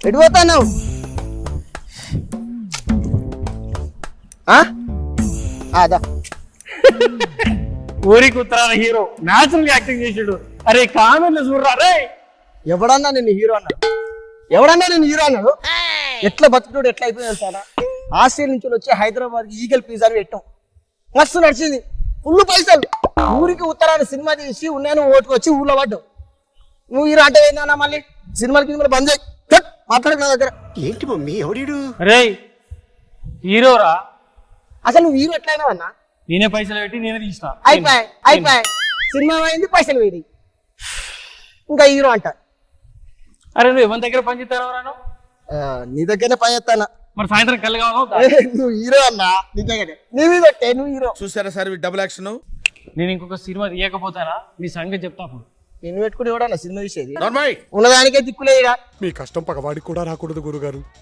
ఎటు పోతావు? అదా ఊరికి ఉత్తరాల హీరో న్యాచురల్ యాక్టింగ్ చేసాడు. అరే కామెంట్లు చూడరా రే. ఎవడన్నా నేను హీరో అన్నాడు? ఎవడన్నా నేను హీరో అన్నాడు? ఎట్లా బతుకుడు ఎట్లా అయిపోయింది సారా? ఆస్ట్రేలియా నుంచి వచ్చి హైదరాబాద్ ఈగల్ పిజ్జా పెట్టాం, మస్తు నడిచింది, ఫుల్ పైసలు. ఊరికి ఉత్తరాన సినిమా తీసి ఉన్నాను ఓటుకు వచ్చి ఊళ్ళో పడ్డావు. నువ్వు హీరో అంటే ఏందన్నా? మళ్ళీ సినిమాలకి బంద్ చేయి, మాట్లాడక నా దగ్గర. ఏంటి మమ్మీ ఎవడీడు? రే హీరోరా, అసలు నువ్వు హీరో ఎట్లయినా అన్నా? నేనే పైసలు పెట్టి నేనే తీసిన. అయిపోయి సినిమా అయింది, పైసలు వేడి, ఇంకా హీరో అంట. అరే నువ్వు ఎవరి దగ్గర పని చేస్తాను? నీ దగ్గరనే పని చేస్తానా? మరి సాయంత్రం కళ్ళు కావాలి. నువ్వు హీరో అన్నా, నిజంగానే నీ మీద పెట్టే, నువ్వు హీరో. చూసారా సార్ డబుల్ యాక్షన్? నేను ఇంకొక సినిమా తీయకపోతానా మీ సంగతి చెప్తా. నిన్ను పెట్టుకుని ఎవడన్నా సినిమా తీసేది? నార్మల్ ఉన్నదానికే దిక్కులేదుగా. మీ కష్టం పగవాడికి కూడా రాకూడదు గురుగారు.